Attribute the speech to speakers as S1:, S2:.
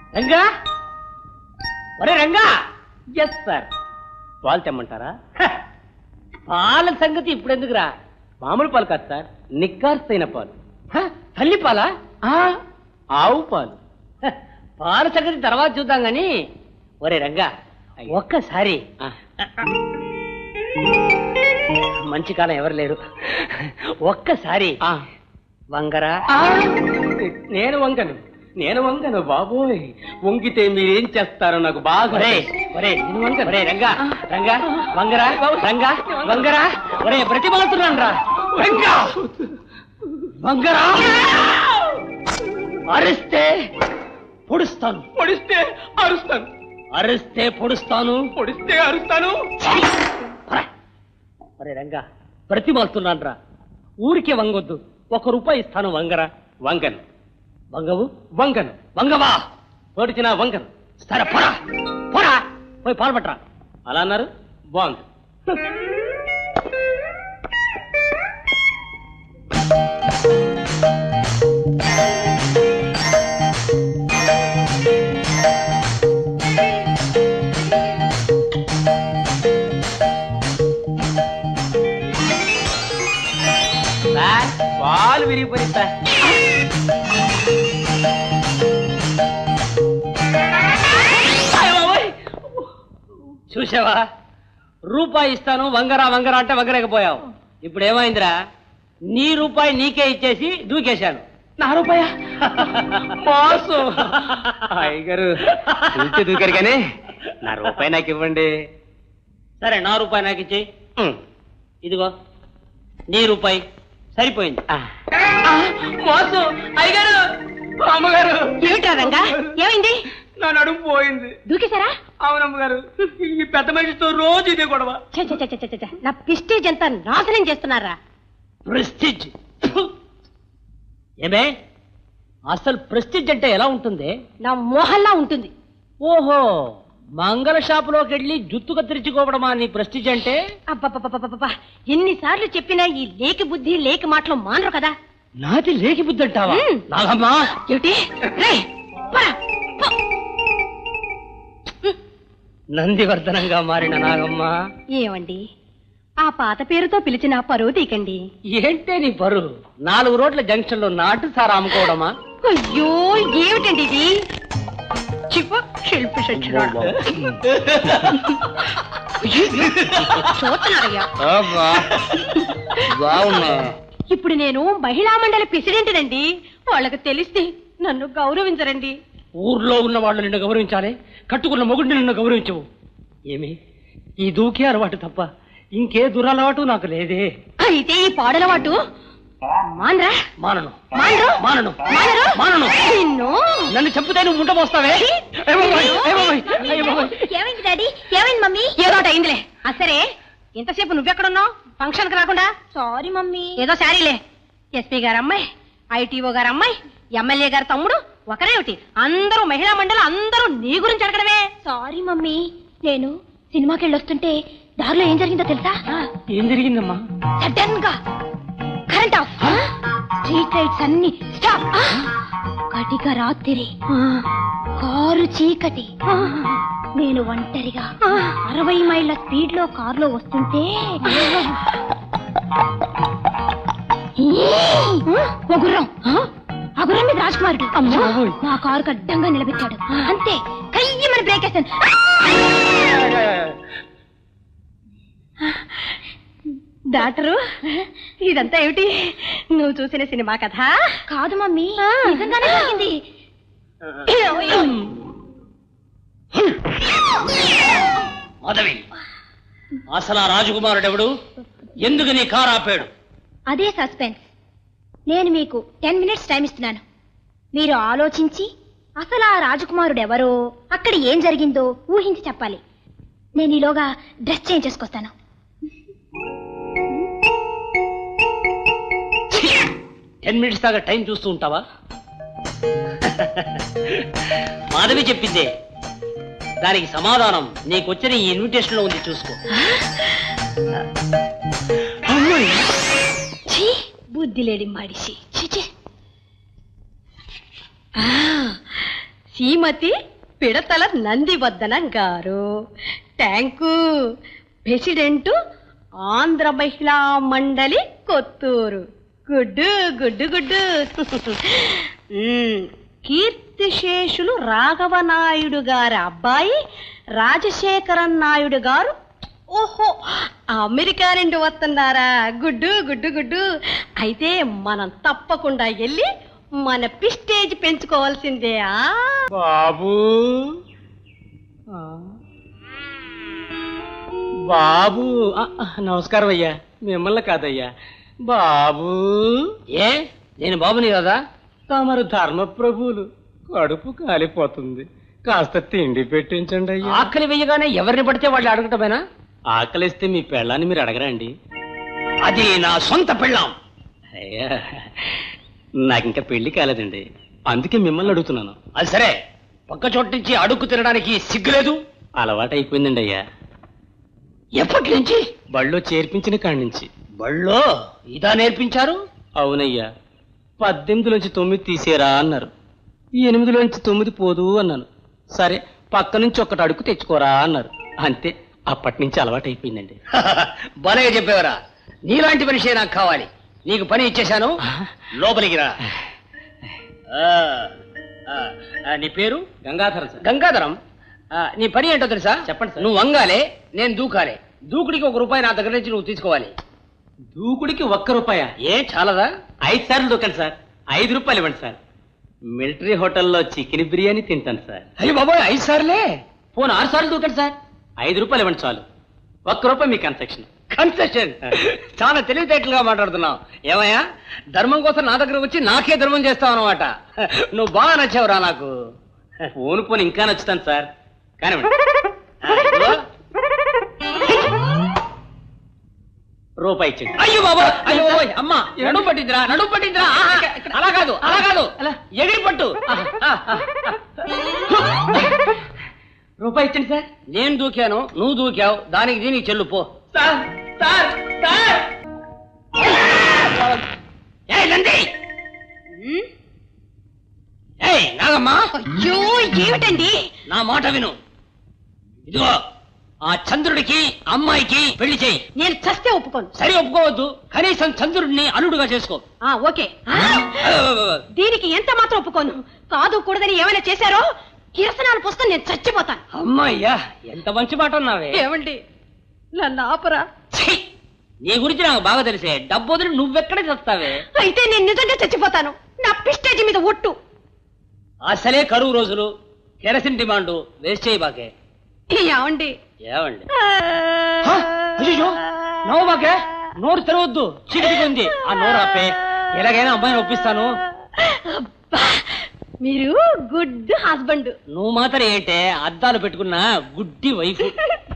S1: రంగా, ఒరే Ranga. Yes sir. పాలు తెమ్మంటారా? పాల సంగతి ఇప్పుడు ఎందుకురా, మామూలు పాలు కాదు సార్, నిక్కార్సైన పాలు. తల్లి పాలా? ఆవు పాలు. పాల సంగతి తర్వాత చూద్దాం గాని ఒరే రంగా, ఒక్కసారి మంచి కాలం ఎవరు లేరు, ఒక్కసారి వంగరా. నేను వంగను బాబోయ్, వంగితే మీరేం చేస్తారో నాకు బాగా. ఒరే రంగా, రంగా వంగరా, రంగా వంగరా. ఒరే ప్రతిమాలుతున్నాను రా రంగా, వంగరా. అరిస్తే పొడుస్తాను, పొడిస్తే అరుస్తాను, అరిస్తే పొడుస్తాను, పొడిస్తే అరుస్తాను. ఒరే రంగా ప్రతిమాలుతున్నాను రా, ఊరికే వంగొద్దు. ₹1 ఇస్తాను, వంగరా. వంగను. వంగవు? వంగను. వంగవా? పోడిచిన వంగను. సరే పోరా, పోరా, పోయి పాలు పట్టరా. అలా అన్నారు, బాగుంది. పాలు విరిగిపోయిస్తా. చూసావా, ₹1 ఇస్తాను వంగరా వంగరా అంటే వంగరేకపోయావు. ఇప్పుడు ఏమైందిరా, నీ రూపాయి నీకే ఇచ్చేసి దూకేశాను. నా రూపాయ మోసు అయ్యగారు దూకారు కానీ నా రూపాయి నాకు ఇవ్వండి. సరే, నా రూపాయి నాకు ఇచ్చేయి. ఇదిగో నీ రూపాయి, సరిపోయింది. మోసు అయ్యగారు, అమ్మగారు.
S2: ఏమిటా రంగా, ఏమైంది?
S1: నా నడుము పోయింది.
S2: దూకేశారా?
S1: అవునమ్మగారు, ఈ పెద్ద మనిషితో రోజు ఇదే గొడవ.
S2: నా ప్రెస్టీజ్ అంతా నాశనం చేస్తున్నారా?
S1: ప్రెస్టీజ్? ఏమే, అసలు ప్రెస్టీజ్ అంటే ఎలా ఉంటుంది?
S2: నా మోహల్లా ఉంటుంది.
S1: ఓహో, మంగళ షాపులోకి వెళ్ళి జుత్తు కత్తిరించుకోవడమా నీ ప్రెస్టీజ్ అంటే?
S2: అబ్బబ్బబ్బబ్బబ్బా, ఎన్నిసార్లు చెప్పినా ఈ లేకి బుద్ధి లేకి మాటలు మానరు కదా.
S1: నాది లేకి బుద్ధి అంటావా? నాగమ్మా
S2: ఏమిటి?
S1: నందివర్ధనంగా మారిన నాగమ్మ.
S2: ఏమండి, ఆ పాత పేరుతో పిలిచిన పరువు తీకండి.
S1: ఏంటే నీ పరువు? 4 రోడ్ల జంక్షన్ లో నాటు సారా అమ్ముకోవడమా?
S2: అయ్యో, ఏమిటండి ఇది? శిల్పి ఇప్పుడు నేను మహిళా మండలి ప్రెసిడెంట్ నండి. వాళ్ళకి తెలిస్తే నన్ను గౌరవించరండి.
S1: ఊర్లో ఉన్న వాళ్ళు నిన్ను గౌరవించాలి, కట్టుకున్న మొగుడిని నిన్ను గౌరవించవు. ఏమి, ఈ దూకే అలవాటు తప్ప ఇంకే దురలవాటు నాకు లేదే.
S2: అయితే ఈ పాడలవాటు మానరా?
S1: మానను,
S2: మానరు,
S1: మానను,
S2: మానరు,
S1: మానను.
S2: నన్ను
S1: చంపితే నువ్వు ముంట పోస్తావే.
S2: ఏమైంది డాడీ? ఏమైంది మమ్మీ? ఏదోట అయిందిలే. సరే, ఇంతసేపు నువ్వెక్కడున్నావు? ఫంక్షన్ కి రాకుండా? Sorry mummy. ఏదో సారీలే. ఎస్పీ గారు అమ్మాయి, ఐటీఓ గారు అమ్మాయి, ఎమ్మెల్యే గారు తమ్ముడు ఒకరేమిటి, అందరూ మహిళా మండలి, అందరూ నీ గురించి అడగడమే. సారీ మమ్మీ, నేను సినిమాకి వెళ్ళొస్తుంటే దారిలో ఏం జరిగిందో తెలుసా?
S1: ఏం జరిగిందమ్మా?
S2: సడన్ గా కరెంట్ ఆఫ్, స్ట్రీట్ లైట్స్ అన్ని స్టాప్, కటిక రాత్రి, కారు చీకటి, నేను ఒంటరిగా 60 మైళ్ళ స్పీడ్ లో కారులో వస్తుంటే ఓ గుర్రం, ఆ గుర్రం మీద రాజకుమారుడు నా కారుకు అడ్డంగా నిలబెట్టాడు. అంతే, కయ్యమని బ్రేక్ వేసాను. డాక్టరు, ఇదంతా ఏమిటి? నువ్వు చూసిన సినిమా కథ కాదు మమ్మీ, నిజంగానే జరిగింది.
S1: మాధవి, అసలు ఆ రాజకుమారుడెవడు? ఎందుకు నీ కారు ఆపాడు?
S2: అదే సస్పెన్స్. నేను మీకు 10 minutes టైం ఇస్తున్నాను. మీరు ఆలోచించి అసలు ఆ రాజకుమారుడు ఎవరో, అక్కడ ఏం జరిగిందో ఊహించి చెప్పాలి. నేను ఈలోగా డ్రెస్ చేంజ్ చేసుకొస్తాను.
S1: 10 minutes దాకా టైం చూస్తూ ఉంటావా? మాధవి చెప్పిందే, దానికి సమాధానం నీకొచ్చిన ఈ ఇన్విటేషన్ లో ఉంది, చూసుకో.
S2: బుద్ధి లేడి మడిసి. శ్రీమతి పిడతల నందివర్ధనం గారు. థ్యాంకు. ప్రెసిడెంట్ ఆంధ్ర మహిళా మండలి కొత్తూరు. గుడ్డు గుడ్డు గుడ్డు. కీర్తిశేషులు రాఘవనాయుడు గారి అబ్బాయి రాజశేఖరన్ నాయుడు గారు. ఓహో, అమెరికా నుండి వస్తున్నారా? గుడ్డు గుడ్డు గుడ్డు. అయితే మనం తప్పకుండా వెళ్ళి మన ప్రెస్టేజ్ పెంచుకోవాల్సిందే.
S1: బాబు బాబు నమస్కారం అయ్యా. మిమ్మల్ని కాదయ్యా, బాబు. ఏ నేను బాబుని కదా? తమరు ధర్మప్రభువులు. కడుపు కాలిపోతుంది, కాస్త తిండి పెట్టించండి అయ్యా. ఆకలి వెయ్యగానే ఎవరిని పడితే వాళ్ళు అడగటమేనా? ఆకలిస్తే మీ పెళ్ళాన్ని మీరు అడగరండి. అది నా సొంత పెళ్ళాం. అయ్యా, నాకింకా పెళ్లి కాలేదండి, అందుకే మిమ్మల్ని అడుగుతున్నాను. అది సరే, పక్క చోటు నుంచి అడుగు తినడానికి సిగ్గులేదు? అలవాటు అయిపోయిందండి అయ్యా. ఎప్పటి నుంచి? బళ్ళో చేర్పించిన కాడి నుంచి. బళ్ళో ఇదా నేర్పించారు? అవునయ్యా. 18లోంచి 9 తీసేరా అన్నారు. 8లోంచి 9 పోదు అన్నాను. సరే, పక్క నుంచి ఒక్కటి అడుగు తెచ్చుకోరా అన్నారు. అంతే, అప్పటి నుంచి అలవాటు అయిపోయిందండి.
S3: భలేగా చెప్పేవరా. నీలాంటి మనిషే నాకు కావాలి. నీకు పని ఇచ్చేశాను, లోపలికి రా. నీ పేరు?
S1: గంగాధరం సార్.
S3: గంగాధరం. నీ పని ఏంటో తెలుసా?
S1: చెప్పండి సార్.
S3: నువ్వు వంగాలే, నేను దూకాలే. దూకుడికి ₹1 నా దగ్గర నుంచి నువ్వు తీసుకోవాలి.
S1: దూకుడికి ₹1?
S3: ఏ చాలదా?
S1: 5 సార్లు దూకండి సార్. ₹5 ఇవ్వండి సార్. మిలిటరీ హోటల్లో చికెన్ బిర్యానీ తింటాను సార్.
S3: అయ్యి బాబోయ్, 5 సార్లే?
S1: పోను 6 సార్లు దూకండి సార్. ₹5 ఇవ్వండి చాలు. ₹1 మీ కన్సెషన్.
S3: కన్సెషన్? చాలా తెలివితేటలుగా మాట్లాడుతున్నావు. ఏమయ్యా, ధర్మం కోసం నా దగ్గర వచ్చి నాకే ధర్మం చేస్తావు అనమాట. నువ్వు బాగా నచ్చావురా నాకు.
S1: పోను ఇంకా నచ్చుతాను సార్. కానీ రూపాయి ఇచ్చింది.
S3: అయ్యో బాబా, అయ్యో అమ్మా, నడుము పట్టిందిరా, నడుము పట్టిందిరా. అలా కాదు, అలా కాదు, ఎగిరి పట్టు.
S1: రూపాయి ఇచ్చండి సార్.
S3: నేను దూకాను, నువ్వు దూకావు, దానికి దీనికి చెల్లు పో.
S1: Sir sir sir.
S3: ఏయ్ నంది, ఏయ్ నాగమ్మా,
S2: అయ్యో ఏమిటండి?
S3: నా మాట విను. ఇదిగో, ఆ చంద్రుడికి అమ్మాయికి పెళ్లి చేయి.
S2: నేను చస్తే ఒప్పుకోను.
S3: సరి ఒప్పుకోవద్దు, కనీసం చంద్రుడిని అల్లుడుగా చేసుకో.
S2: ఓకే. దీనికి ఎంత మాత్రం ఒప్పుకోను. కాదు కూడదని ఏమైనా చేశారో కిరసనాలు పుస్తకం నేను చచ్చిపోతాను.
S3: అమ్మాయ్యా, ఎంత మంచి మాట అన్నావే.
S2: ఏమండి, నన్ను ఆపరా?
S3: ఛీ, నీ గురించి నాకు బాగా తెలిసే. డబ్బు వదిలి నువ్వెక్కడ చస్తావే?
S2: అయితే నేను నిజంగా చచ్చిపోతాను. నా ప్రెస్టేజ్ మీద ఒట్టు.
S3: అసలే కరువు రోజులు, కెరసిన్ డిమాండ్, వేస్ట్ చేయి బాకే.
S2: ఏమండి?
S3: ఏమండి? అయ్యో, నవ్వు బాకే, నోరు తెరవద్దు, చీకటిగా ఉంది. ఆ నోరు ఆపే. ఎలాగైనా అమ్మాయిని ఒప్పిస్తాను.
S2: మీరు గుడ్ హస్బెండ్.
S3: నువ్వు మాత్రం ఏంటే అద్దాలు పెట్టుకున్న గుడ్డి వైఫ్.